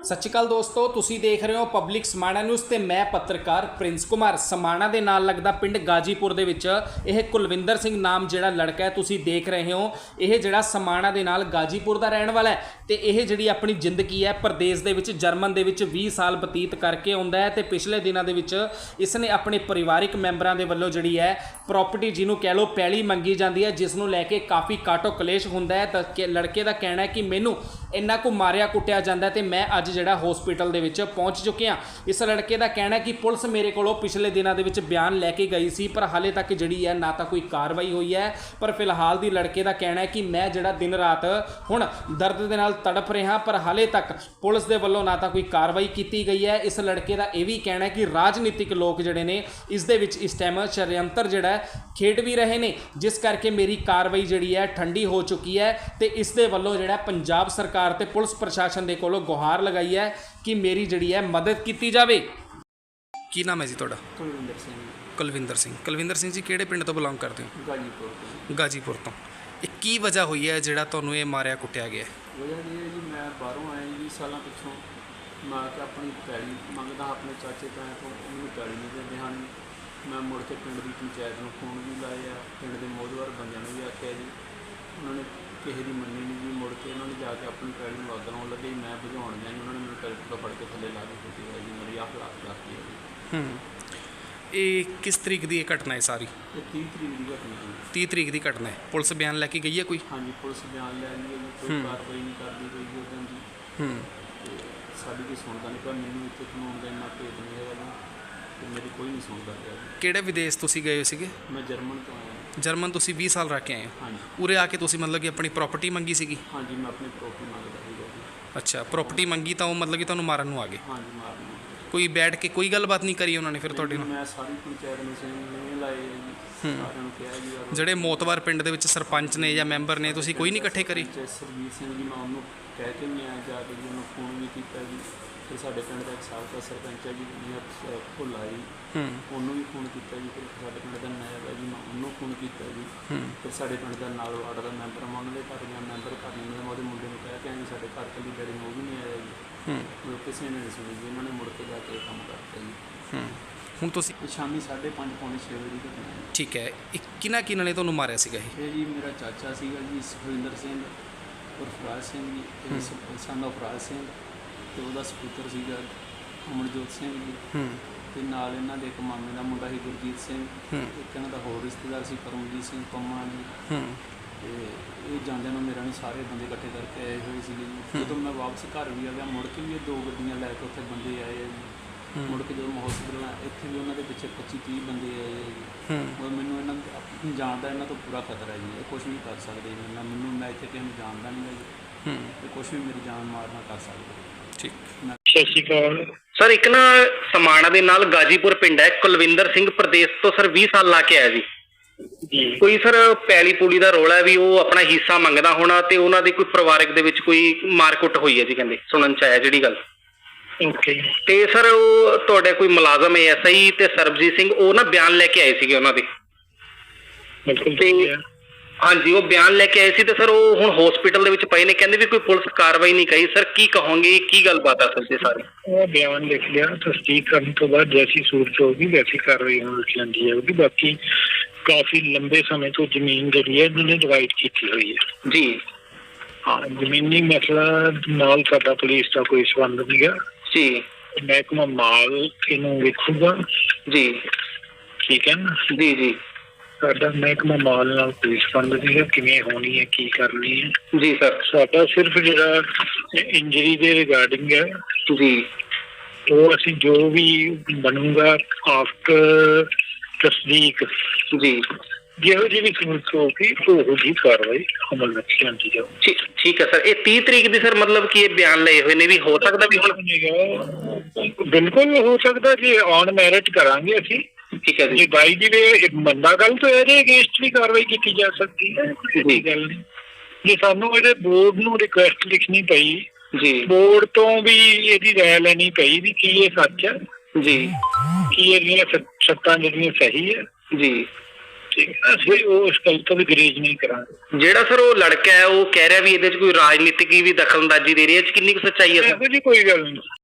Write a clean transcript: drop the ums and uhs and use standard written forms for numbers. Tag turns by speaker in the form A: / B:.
A: ਸਤਿ ਸ਼੍ਰੀ ਅਕਾਲ ਦੋਸਤੋ, ਤੁਸੀਂ ਦੇਖ ਰਹੇ ਹੋ ਪਬਲਿਕ ਸਮਾਣਾ ਨਿਊਜ਼ ਤੇ ਮੈਂ ਪੱਤਰਕਾਰ ਪ੍ਰਿੰਸ ਕੁਮਾਰ। ਸਮਾਣਾ ਦੇ ਨਾਲ ਲੱਗਦਾ ਪਿੰਡ ਗਾਜੀਪੁਰ ਦੇ ਵਿੱਚ ਇਹ ਕੁਲਵਿੰਦਰ ਸਿੰਘ ਨਾਮ ਜਿਹੜਾ ਲੜਕਾ ਹੈ ਤੁਸੀਂ ਦੇਖ ਰਹੇ ਹੋ, ਇਹ ਜਿਹੜਾ ਸਮਾਣਾ ਦੇ ਨਾਲ ਗਾਜੀਪੁਰ ਦਾ ਰਹਿਣ ਵਾਲਾ ਹੈ ਤੇ ਇਹ ਜਿਹੜੀ ਆਪਣੀ ਜ਼ਿੰਦਗੀ ਹੈ ਪ੍ਰਦੇਸ਼ ਦੇ ਵਿੱਚ ਜਰਮਨ ਦੇ ਵਿੱਚ 20 ਸਾਲ ਬਤੀਤ ਕਰਕੇ ਆਉਂਦਾ ਹੈ ਤੇ ਪਿਛਲੇ ਦਿਨਾਂ ਦੇ ਵਿੱਚ ਇਸ ਨੇ ਆਪਣੇ ਪਰਿਵਾਰਿਕ ਮੈਂਬਰਾਂ ਦੇ ਵੱਲੋਂ ਜਿਹੜੀ ਹੈ ਪ੍ਰਾਪਰਟੀ ਜਿਹਨੂੰ ਕਹਿ ਲਓ ਪੈਲੀ ਮੰਗੀ ਜਾਂਦੀ ਹੈ, ਜਿਸ ਨੂੰ ਲੈ ਕੇ ਕਾਫੀ ਕਾਟੋ ਕਲੇਸ਼ ਹੁੰਦਾ ਹੈ। ਤਾਂ ਲੜਕੇ ਦਾ ਕਹਿਣਾ ਹੈ ਕਿ ਮੈਨੂੰ ਇੰਨਾ ਕੁ ਮਾਰਿਆ ਕੁੱਟਿਆ ਜਾਂਦਾ ਤੇ ਮੈਂ ਅੱਜ ਜਿਹੜਾ ਹਸਪੀਟਲ ਦੇ ਵਿੱਚ ਪਹੁੰਚ ਚੁੱਕਿਆ। ਇਸ ਲੜਕੇ ਦਾ ਕਹਿਣਾ ਹੈ ਕਿ ਪੁਲਿਸ ਮੇਰੇ ਕੋਲੋਂ ਪਿਛਲੇ ਦਿਨਾਂ ਦੇ ਵਿੱਚ ਬਿਆਨ ਲੈ ਕੇ ਗਈ ਸੀ, ਪਰ ਹਾਲੇ ਤੱਕ ਜਿਹੜੀ ਹੈ ਨਾ ਤਾਂ ਕੋਈ ਕਾਰਵਾਈ ਹੋਈ ਹੈ। ਪਰ ਫਿਲਹਾਲ ਦੀ ਲੜਕੇ ਦਾ ਕਹਿਣਾ ਹੈ ਕਿ ਮੈਂ ਜਿਹੜਾ ਦਿਨ ਰਾਤ ਹੁਣ ਦਰਦ ਦੇ ਨਾਲ ਤੜਫ ਰਿਹਾ, ਪਰ ਹਾਲੇ ਤੱਕ ਪੁਲਿਸ ਦੇ ਵੱਲੋਂ ਨਾ ਤਾਂ ਕੋਈ ਕਾਰਵਾਈ ਕੀਤੀ ਗਈ ਹੈ। ਇਸ ਲੜਕੇ ਦਾ ਇਹ ਵੀ ਕਹਿਣਾ ਹੈ ਕਿ ਰਾਜਨੀਤਿਕ ਲੋਕ ਜਿਹੜੇ ਨੇ ਇਸ ਦੇ ਵਿੱਚ ਇਸ ਟਾਈਮ ਸ਼ਰਯੰਤਰ ਜਿਹੜਾ ਖੇਡ ਵੀ ਰਹੇ ਨੇ, ਜਿਸ ਕਰਕੇ ਮੇਰੀ ਕਾਰਵਾਈ ਜਿਹੜੀ ਹੈ ਠੰਡੀ ਹੋ ਚੁੱਕੀ ਹੈ ਤੇ ਇਸ ਦੇ ਵੱਲੋਂ ਜਿਹੜਾ ਪੰਜਾਬ ਸਰਕਾਰ ਤੇ ਪੁਲਿਸ ਪ੍ਰਸ਼ਾਸਨ ਦੇ ਕੋਲੋਂ ਗੁਹਾਰ ਲਗਾਈ ਹੈ ਕਿ ਮੇਰੀ ਜਿਹੜੀ ਹੈ ਮਦਦ ਕੀਤੀ ਜਾਵੇ। ਕੀ ਨਾਮ ਹੈ ਜੀ ਤੁਹਾਡਾ?
B: ਕੁਲਵਿੰਦਰ ਸਿੰਘ।
A: ਕੁਲਵਿੰਦਰ ਸਿੰਘ ਜੀ ਕਿਹੜੇ ਪਿੰਡ ਤੋਂ ਬਿਲੋਂਗ ਕਰਦੇ ਹੋ?
B: ਗਾਜੀਪੁਰ ਤੋਂ।
A: ਗਾਜੀਪੁਰ ਤੋਂ। ਇਹ ਕੀ ਵਜ੍ਹਾ ਹੋਈ ਹੈ ਜਿਹੜਾ ਤੁਹਾਨੂੰ ਇਹ ਮਾਰਿਆ ਕੁੱਟਿਆ ਗਿਆ?
B: ਵਜ੍ਹਾ ਇਹ ਹੈ ਜੀ, ਮੈਂ ਬਾਹਰੋਂ ਆਇਆ 20 ਸਾਲਾਂ ਪਿੱਛੋਂ। ਮੈਂ ਕਿ ਆਪਣੀ ਪੈਲੀ ਮੰਗਦਾ ਆਪਣੇ ਚਾਚੇ ਤਾਇਆਂ ਤੋਂ, ਉਹਨੂੰ ਪੈਲੀ ਨਹੀਂ ਦਿੰਦੇ ਹਨ। ਮੈਂ ਮੁੜ ਕੇ ਪਿੰਡ ਦੀ ਪੰਚਾਇਤ ਨੂੰ ਫੋਨ ਵੀ ਲਾਏ ਆ, ਪਿੰਡ ਦੇ ਮੋਹਦਵਾਰ ਬੰਦਿਆਂ ਨੂੰ ਵੀ ਆਖਿਆ ਜੀ, ਉਹਨਾਂ ਨੇ ਕਿਸੇ ਦੀ ਮੰਨੀ ਨਹੀਂ ਜੀ। ਮੁੜ ਕੇ ਉਹਨਾਂ ਨੇ ਜਾ ਕੇ ਆਪਣੀ ਪੈਲੀ ਨੂੰ ਅੱਗ ਲਾਉਣ ਲੱਗੇ, ਮੈਂ ਬੁਝਾਉਣ ਗਿਆ ਜੀ, ਉਹਨਾਂ ਨੇ ਮੈਨੂੰ ਟਰੈਕਟਰ ਫੜ ਕੇ ਥੱਲੇ ਲਾ ਕੇ ਕੁੱਟੀ ਹੈ ਜੀ, ਮੇਰੀ ਆਹ ਹਾਲਾਤ ਰੱਖੀ ਹੈ ਜੀ।
A: ਇਹ ਕਿਸ ਤਰੀਕ ਦੀ ਇਹ ਘਟਨਾ ਹੈ ਸਾਰੀ?
B: ਇਹ 30 ਤਰੀਕ ਦੀ ਘਟਨਾ ਹੈ।
A: 30 ਤਰੀਕ ਦੀ ਘਟਨਾ ਹੈ। ਪੁਲਿਸ ਬਿਆਨ ਲੈ ਕੇ ਗਈ ਹੈ ਕੋਈ?
B: ਹਾਂਜੀ, ਪੁਲਿਸ ਬਿਆਨ ਲੈ ਲਈ ਹੈ ਜੀ, ਕੋਈ ਕਾਰਵਾਈ ਨਹੀਂ ਕਰਦੀ ਕੋਈ ਜੀ ਉਦੋਂ ਦੀ। ਤੇ ਸਾਡੀ ਕੋਈ ਸੁਣਦਾ ਨਹੀਂ ਪਿਆ, ਮੈਨੂੰ ਇੱਥੇ ਕਾਨੂੰਨ ਦਾ ਇੰਨਾ ਭੇਤ ਨਹੀਂ ਹੈਗਾ ਜੀ, ਤੇ ਮੇਰੀ ਕੋਈ ਨਹੀਂ ਸੁਣਦਾ ਪਿਆ ਜੀ।
A: ਕਿਹੜੇ ਵਿਦੇਸ਼ ਤੁਸੀਂ ਗਏ ਸੀਗੇ?
B: ਮੈਂ ਜਰਮਨ ਤੋਂ ਆਇਆ।
A: ਜਰਮਨ ਤੁਸੀਂ 20 ਸਾਲ ਰਹਿ ਕੇ ਆਏ ਹੋ?
B: ਹਾਂਜੀ
A: ਉਰੇ ਆ ਕੇ ਤੁਸੀਂ ਮਤਲਬ ਕਿ ਆਪਣੀ ਪ੍ਰਾਪਰਟੀ ਮੰਗੀ ਸੀਗੀ?
B: ਹਾਂਜੀ, ਮੈਂ ਆਪਣੀ ਪ੍ਰੋਪਰਟੀ ਮੰਗਦਾ ਸੀਗਾ ਜੀ।
A: ਅੱਛਾ, ਪ੍ਰਾਪਰਟੀ ਮੰਗੀ ਤਾਂ ਉਹ ਮਤਲਬ ਕਿ ਤੁਹਾਨੂੰ ਮਾਰਨ ਨੂੰ ਆ ਗਏ?
B: ਹਾਂਜੀ, ਮਾਰਨਾ।
A: ਕੋਈ ਬੈਠ ਕੇ ਕੋਈ ਗੱਲਬਾਤ ਨਹੀਂ ਕਰੀ ਉਹਨਾਂ ਨੇ ਫਿਰ ਤੁਹਾਡੇ ਨਾਲ?
B: ਮੈਂ ਸਾਰੀ ਪੰਚਾਇਤ ਨੂੰ ਸਿੰਘ ਲਾਏ ਜੀ, ਸਾਰਿਆਂ ਨੂੰ ਕਿਹਾ ਜੀ ਯਾਰ
A: ਜਿਹੜੇ ਮੋਤਵਾਰ ਪਿੰਡ ਦੇ ਵਿੱਚ ਸਰਪੰਚ ਨੇ ਜਾਂ ਮੈਂਬਰ ਨੇ, ਤੁਸੀਂ ਕੋਈ ਨਹੀਂ ਇਕੱਠੇ ਕਰੀ?
B: ਸਰਜੀਤ ਸਿੰਘ ਜੀ, ਮੈਂ ਉਹਨੂੰ ਕਹਿ ਕੇ ਨਹੀਂ ਆਇਆ ਜਾ ਕੇ ਜੀ, ਉਹਨੂੰ ਫੋਨ ਵੀ ਕੀਤਾ ਜੀ। ਫਿਰ ਸਾਡੇ ਪਿੰਡ ਦਾ ਇੱਕ ਸਾਬਕਾ ਸਰਪੰਚ ਹੈ ਜੀ ਭੁੱਲਾ ਜੀ, ਉਹਨੂੰ ਵੀ ਫੋਨ ਕੀਤਾ ਜੀ। ਫਿਰ ਸਾਡੇ ਪਿੰਡ ਦਾ ਨਾਇਬ ਹੈ ਜੀ, ਮੈਂ ਉਹਨੂੰ ਫੋਨ ਕੀਤਾ ਜੀ। ਫਿਰ ਸਾਡੇ ਪਿੰਡ ਦਾ ਨਾਲ ਵਾਰਡ ਦਾ ਮੈਂਬਰ, ਮੈਂ ਉਹਨਾਂ ਦੇ ਘਰ ਗਿਆ, ਮੈਂਬਰ ਘਰ ਨਹੀਂ ਮਿਲਿਆ, ਮੈਂ ਉਹਦੇ ਮੁੰਡੇ ਨੂੰ ਕਹਿ ਕੇ ਆਇਆ ਜੀ, ਸਾਡੇ ਘਰ ਕੱਲੀ ਡੈਡੀ ਨੂੰ ਉਹ ਵੀ ਨਹੀਂ ਆਇਆ ਜੀ। ਕਿਸੇ ਨੇ ਨਹੀਂ ਸੁਣੀ ਜੀ, ਇਹਨਾਂ ਨੇ ਮੁੜ ਕੇ ਜਾ ਕੇ ਕੰਮ ਕਰਤਾ ਜੀ।
A: ਹੁਣ ਤੁਸੀਂ
B: ਸ਼ਾਮੀ 5:30 ਪੌਣੇ 6 ਵਜੇ ਦੀ ਘਟਨਾ ਹੈ।
A: ਠੀਕ ਹੈ, ਕਿਹਨਾਂ ਨੇ ਤੁਹਾਨੂੰ ਮਾਰਿਆ ਸੀਗਾ ਇਹ?
B: ਇਹ ਜੀ ਮੇਰਾ ਚਾਚਾ ਸੀਗਾ ਜੀ ਸੁਖਵਿੰਦਰ ਸਿੰਘ ਉਰਫ ਰਾਜ ਸਿੰਘ ਜੀ, ਸਨ ਆਫ ਰਾਜ ਸਿੰਘ, ਤੇ ਉਹਦਾ ਸਪੁੱਤਰ ਸੀਗਾ ਅਮਰਜੋਤ ਸਿੰਘ ਜੀ, ਤੇ ਨਾਲ ਇਹਨਾਂ ਦੇ ਇੱਕ ਮਾਮੇ ਦਾ ਮੁੰਡਾ ਸੀ ਗੁਰਜੀਤ ਸਿੰਘ, ਇੱਕ ਇਹਨਾਂ ਦਾ ਹੋਰ ਰਿਸ਼ਤੇਦਾਰ ਸੀ ਪਰਮਜੀਤ ਸਿੰਘ ਪੰਮਾ ਜੀ। ਤੇ ਇਹ ਜਾਂਦਿਆਂ ਨੂੰ ਮੇਰਾ ਨਹੀਂ ਸਾਰੇ ਬੰਦੇ ਇਕੱਠੇ ਕਰਕੇ ਆਏ ਹੋਏ ਸੀਗੇ ਜੀ। ਜਦੋਂ ਮੈਂ ਵਾਪਸ ਘਰ ਵੀ ਆ ਗਿਆ, ਮੁੜ ਕੇ ਵੀ ਇਹ 2 ਗੱਡੀਆਂ ਲੈ ਕੇ ਉੱਥੇ ਬੰਦੇ ਆਏ ਆ ਜੀ। ਮੁੜ ਕੇ ਜਦੋਂ ਮੈਂ ਹਸਪੀਟਲ ਇੱਥੇ ਵੀ ਉਹਨਾਂ ਦੇ ਪਿੱਛੇ 25-30 ਬੰਦੇ ਆਏ ਆ ਜੀ। ਔਰ ਮੈਨੂੰ ਇਹਨਾਂ ਜਾਣਦਾ, ਇਹਨਾਂ ਤੋਂ ਪੂਰਾ ਖਤਰਾ ਜੀ, ਇਹ ਕੁਛ ਵੀ ਕਰ ਸਕਦੇ ਜੀ। ਮੈਨੂੰ ਮੈਂ ਇੱਥੇ ਕਿਸੇ ਨੂੰ ਜਾਣਦਾ ਨਹੀਂ ਜੀ, ਤੇ ਕੁਛ ਵੀ ਮੇਰੀ ਜਾਨ ਮਾਰਨਾ ਕਰ ਸਕਦੇ।
A: ਠੀਕ।
C: ਸਤਿ ਸ਼੍ਰੀ ਅਕਾਲ
D: ਸਰ। ਇੱਕ ਨਾ ਸਮਾਣਾ ਦੇ ਨਾਲ ਗਾਜੀਪੁਰ ਪਿੰਡ ਹੈ, ਕੁਲਵਿੰਦਰ ਸਿੰਘ ਪ੍ਰਦੇਸ਼ ਤੋਂ ਸਰ 20 ਸਾਲ ਲਾ ਕੇ ਆਇਆ ਜੀ। ਕੋਈ ਸਰ ਪੈਲੀ ਪੂਲੀ ਦਾ ਰੋਲਾ ਵੀ ਉਹ ਆਪਣਾ ਹਿੱਸਾ ਮੰਗਦਾ ਹੋਣਾ, ਤੇ ਉਹਨਾਂ ਦੇ ਕੋਈ ਪਰਿਵਾਰਕ ਦੇ ਵਿੱਚ ਕੋਈ ਮਾਰਕੁੱਟ ਹੋਈ ਹੈ ਜੀ, ਕਹਿੰਦੇ ਸੁਣਨ ਚ ਆਇਆ ਜਿਹੜੀ ਗੱਲ।
C: ਓਕੇ।
D: ਤੇ ਸਰ ਉਹ ਤੁਹਾਡੇ ਕੋਈ ਮੁਲਾਜ਼ਮ ਐਸਆਈ ਤੇ ਸਰਬਜੀਤ ਸਿੰਘ ਉਹ ਨਾ ਬਿਆਨ ਲੈ ਕੇ ਆਏ ਸੀਗੇ ਉਹਨਾਂ ਦੇ।
C: ਬਿਲਕੁਲ
D: ਤੇ ਹਾਂਜੀ, ਉਹ ਬਿਆਨ ਲੈ ਕੇ ਆਏ ਸੀ ਤੇ ਸਰ ਉਹ ਹੁਣ ਹਸਪੀਟਲ ਦੇ ਵਿੱਚ ਪਏ ਨੇ, ਕਹਿੰਦੇ ਵੀ ਕੋਈ ਪੁਲਿਸ ਕਾਰਵਾਈ ਨਹੀਂ ਕਰੀ। ਸਰ ਕੀ ਕਹੋਗੇ, ਕੀ ਗੱਲਬਾਤ ਆ ਸਰ ਜੀ ਸਾਰੀ?
C: ਉਹ ਬਿਆਨ ਲਿਖ ਲਿਆ, ਤਸਦੀਕ ਕਰਨ ਤੋਂ ਬਾਅਦ ਜੈਸੀ ਸੂਰਤ ਹੋਊਗੀ ਵੈਸੀ ਕਾਰਵਾਈ ਹੋਣ ਜਾਂਦੀ ਜਾਊਗੀ। ਬਾਕੀ ਕਾਫੀ ਲੰਬੇ ਸਮੇਂ ਤੋਂ ਜ਼ਮੀਨ ਜਿਹੜੀ ਹੈ ਇਹਨਾਂ ਨੇ ਡਿਵਾਈਡ ਕੀਤੀ ਹੋਈ ਹੈ
D: ਜੀ।
C: ਹਾਂ, ਜ਼ਮੀਨੀ ਮਸਲਾ ਨਾਲ ਸਾਡਾ ਪੁਲਿਸ ਦਾ ਕੋਈ ਸੰਬੰਧ ਨਹੀਂ ਗਾ
D: ਜੀ।
C: ਮਹਿਕਮਾ ਮਾਲ ਇਹਨੂੰ ਵੇਖੂਗਾ
D: ਜੀ।
C: ਠੀਕ ਹੈ ਨਾ
D: ਜੀ ਜੀ।
C: ਸਾਡਾ ਮਹਿਕਮਾ ਮਾਲ ਨਾਲ ਕੋਈ ਸੰਬੰਧ ਨਹੀਂ ਹੈ, ਕਿਵੇਂ ਹੋਣੀ ਹੈ ਕੀ ਕਰਨੀ ਹੈ
D: ਜੀ ਸਰ।
C: ਸਾਡਾ ਸਿਰਫ ਜਿਹੜਾ ਇੰਜਰੀ ਦੇ ਰਿਗਾਰਡਿੰਗ ਹੈ
D: ਜੀ,
C: ਉਹ ਅਸੀਂ ਜੋ ਵੀ ਬਣੂਗਾ ਆਫਟਰ ਤਸਦੀਕ
D: ਜੀ,
C: ਜਿਹੋ ਜਿਹੀ ਵੀ ਸੂਰਤ ਹੋਊਗੀ ਉਹੋ ਜਿਹੀ ਕਾਰਵਾਈ ਅਮਲ ਵਿੱਚ ਲਿਆਂਦੀ ਜਾਊ।
D: ਠੀਕ ਹੈ ਸਰ। ਇਹ 30 ਤਰੀਕ ਦੀ ਸਰ ਮਤਲਬ ਕਿ ਇਹ ਬਿਆਨ ਲਏ ਹੋਏ ਨੇ, ਵੀ ਹੋ ਸਕਦਾ ਵੀ ਹੁਣ?
C: ਬਿਲਕੁਲ ਹੋ ਸਕਦਾ ਜੀ, ਔਨ ਮੈਰਿਟ ਕਰਾਂਗੇ ਅਸੀਂ।
D: ਠੀਕ ਹੈ ਜੀ।
C: ਜੇ ਬਾਈ ਦੀ ਵੇ ਮੰਦਾ ਗੱਲ ਤੋਂ ਇਹਦੇ ਅਗੇਂਸਟ ਵੀ ਕਾਰਵਾਈ ਕੀਤੀ ਜਾ ਸਕਦੀ ਹੈ, ਕੋਈ ਗੱਲ ਨਹੀਂ। ਜੇ ਸਾਨੂੰ ਇਹਦੇ ਬੋਰਡ ਨੂੰ ਰਿਕੁਐਸਟ ਲਿਖਣੀ ਪਈ
D: ਜੀ,
C: ਬੋਰਡ ਤੋਂ ਵੀ ਇਹਦੀ ਰਾਇ ਲੈਣੀ ਪਈ ਵੀ ਕੀ ਇਹ ਸੱਚ ਹੈ
D: ਜੀ,
C: ਕੀ ਇਹਦੀਆਂ ਸੱਤਾਂ ਜਿਹੜੀਆਂ ਸਹੀ ਹੈ
D: ਜੀ,
C: ਠੀਕ ਹੈ, ਅਸੀਂ ਉਹ ਇਸ ਗੱਲ ਤੋਂ ਵੀ ਗਰੇਜ ਨਹੀਂ ਕਰਾਂਗੇ।
D: ਜਿਹੜਾ ਸਰ ਉਹ ਲੜਕਾ ਹੈ ਉਹ ਕਹਿ ਰਿਹਾ ਵੀ ਇਹਦੇ 'ਚ ਕੋਈ ਰਾਜਨੀਤਿਕ ਵੀ ਦਖਲਅੰਦਾਜ਼ੀ ਦੇ ਰਹੀ ਹੈ, ਇਹ 'ਚ ਕਿੰਨੀ ਕੁ ਸੱਚਾਈ ਹੈ ਸਰ?
C: ਇਹੋ ਜਿਹੀ ਕੋਈ ਗੱਲ ਨਹੀਂ।